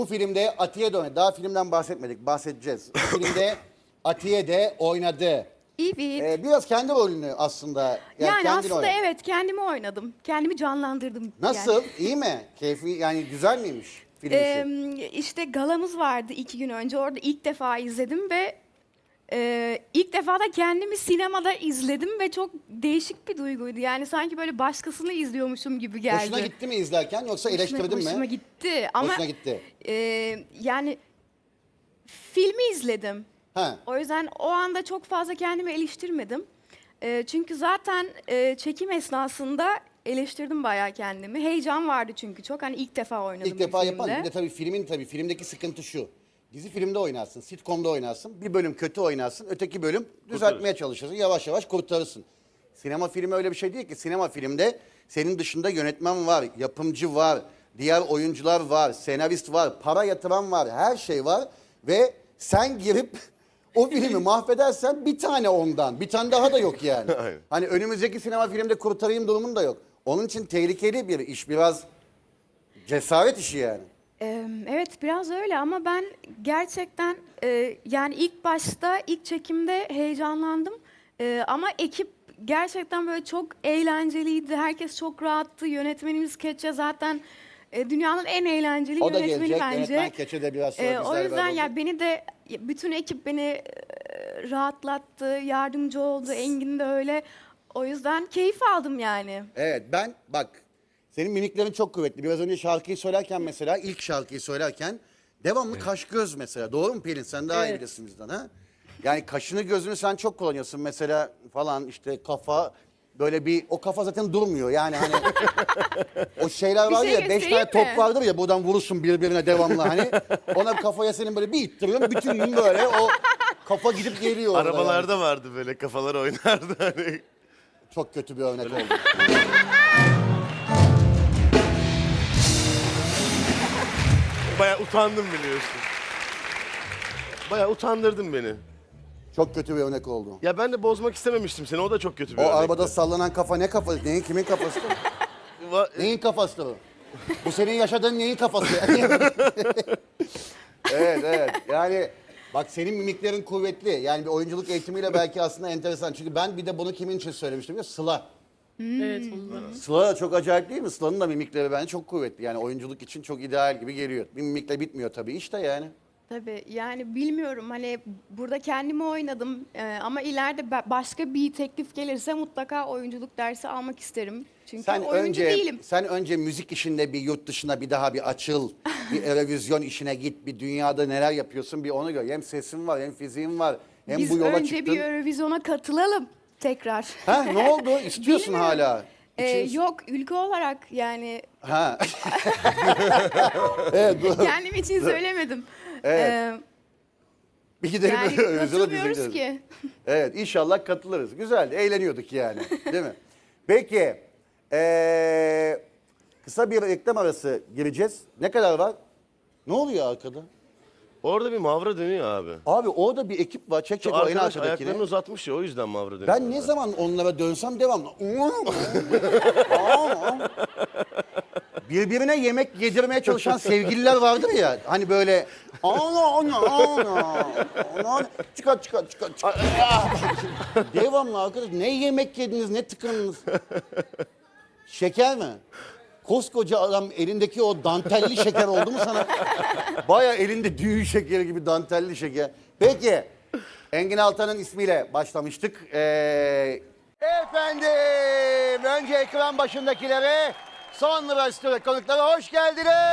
Bu filmde Atiye de oynadı. Daha filmden bahsetmedik. Bahsedeceğiz. Bu filmde Atiye de oynadı. Evet. Biraz kendi rolünü aslında. Yani kendini aslında oynadı. evet kendimi oynadım. Kendimi canlandırdım. Nasıl? Yani. İyi mi? Keyfi yani güzel miymiş film işi? İşte galamız vardı 2 gün önce. Orada ilk defa izledim ve ilk defa da kendimi sinemada izledim ve çok değişik bir duyguydu. Yani sanki böyle başkasını izliyormuşum gibi geldi. Hoşuna gitti mi izlerken yoksa eleştirdin mi? Hoşuma gitti ama Hoşuna gitti. yani filmi izledim. Ha. O yüzden o anda çok fazla kendimi eleştirmedim. Çünkü zaten çekim esnasında eleştirdim bayağı kendimi. Heyecan vardı çünkü çok. Hani ilk defa oynadım İlk defa bir yapan. filmde. Bir de tabii filmdeki sıkıntı şu. Dizi filmde oynarsın, sitcom'da oynarsın. Bir bölüm kötü oynarsın, öteki bölüm düzeltmeye çalışırsın. Yavaş yavaş kurtarırsın. Sinema filmi öyle bir şey değil ki. Sinema filmde senin dışında yönetmen var, yapımcı var, diğer oyuncular var, senarist var, para yatıran var, her şey var. Ve sen girip o filmi mahvedersen bir tane ondan, bir tane daha da yok yani. Aynen. Hani önümüzdeki sinema filmde kurtarayım durumun da yok. Onun için tehlikeli bir iş, biraz cesaret işi yani. Evet biraz öyle ama ben gerçekten yani ilk başta ilk çekimde heyecanlandım. Ama ekip gerçekten böyle çok eğlenceliydi. Herkes çok rahattı. Yönetmenimiz Keçe zaten dünyanın en eğlenceli O da yönetmeni gelecek. bence. Yönetmen Keçe de biraz sonra O bizlerle yüzden beraber ya olacak. beni de bütün ekip beni rahatlattı, yardımcı oldu. Engin de öyle. O yüzden keyif aldım yani. Evet ben bak senin mimiklerin çok kuvvetli. Biraz önce şarkıyı söylerken mesela ilk şarkıyı söylerken devamlı kaş göz mesela. Doğru mu Pelin? Sen daha iyi Evet. bilirsin bizden ha? Yani kaşını gözünü sen çok kullanıyorsun mesela falan işte kafa böyle bir o kafa zaten durmuyor yani hani o şeyler Bir var şey ya 5 tane göstereyim top mi? vardır ya buradan vurursun birbirine devamlı hani ona kafaya senin böyle bir ittiriyorsun bütün gün böyle o kafa gidip geliyor orada Arabalarda yani. vardı böyle kafalar oynardı hani. Çok kötü bir örnek oldu. Bayağı utandım biliyorsun. Bayağı utandırdın beni. Çok kötü bir örnek oldu. Ya ben de bozmak istememiştim seni. O da çok kötü bir O örnekti. arabada sallanan kafa ne kafası? Neyin kimin kafası? Neyin kafası o? Bu senin yaşadığın neyin kafası? Evet. Yani bak senin mimiklerin kuvvetli. Yani bir oyunculuk eğitimiyle belki aslında enteresan. Çünkü ben bir de bunu kimin için söylemiştim ya? Sıla. Evet, ondan. Sıla da çok acayip değil mi? Sıla'nın da mimikleri bence çok kuvvetli. Yani oyunculuk için çok ideal gibi geliyor. Bir mimikle bitmiyor tabii işte yani. Tabii yani bilmiyorum hani burada kendimi oynadım ama ileride başka bir teklif gelirse mutlaka oyunculuk dersi almak isterim. Çünkü oyuncu değilim. Sen önce müzik işinde bir yurt dışına bir daha bir açıl. Bir Eurovision işine git. Bir dünyada neler yapıyorsun bir onu gör. Hem sesin var hem fiziğin var. Hem Biz bu yola önce çıktın. bir Eurovision'a katılalım tekrar. Ha ne oldu? İstiyorsun Bilmiyorum. hala. Yok ülke olarak yani Ha. Evet, bu- kendim için söylemedim. Evet. bir gidelim Yani Eurovision'a biz de katılmıyoruz gideriz. ki. Evet inşallah katılırız. Güzel eğleniyorduk yani. Değil mi? Peki. Kısa bir reklam arası gireceğiz. Ne kadar var? Ne oluyor arkada? Orada bir mavra dönüyor abi. Abi orada bir ekip var. Çek Şu o en arkadaş arkadakini. ayaklarını uzatmış ya o yüzden mavra dönüyor. Ben ne zaman onlara dönsem devamlı. Birbirine yemek yedirmeye çalışan sevgililer vardır ya. Hani böyle çıkar. Devamlı arkadaş ne yemek yediniz ne tıkındınız. Şeker mi? Koskoca adam elindeki o dantelli şeker oldu mu sana? Baya elinde düğün şekeri gibi dantelli şeker. Peki. Engin Altan'ın ismiyle başlamıştık. Efendim, önce ekran başındakilere, sonra stüdyo konuklara hoş geldiniz.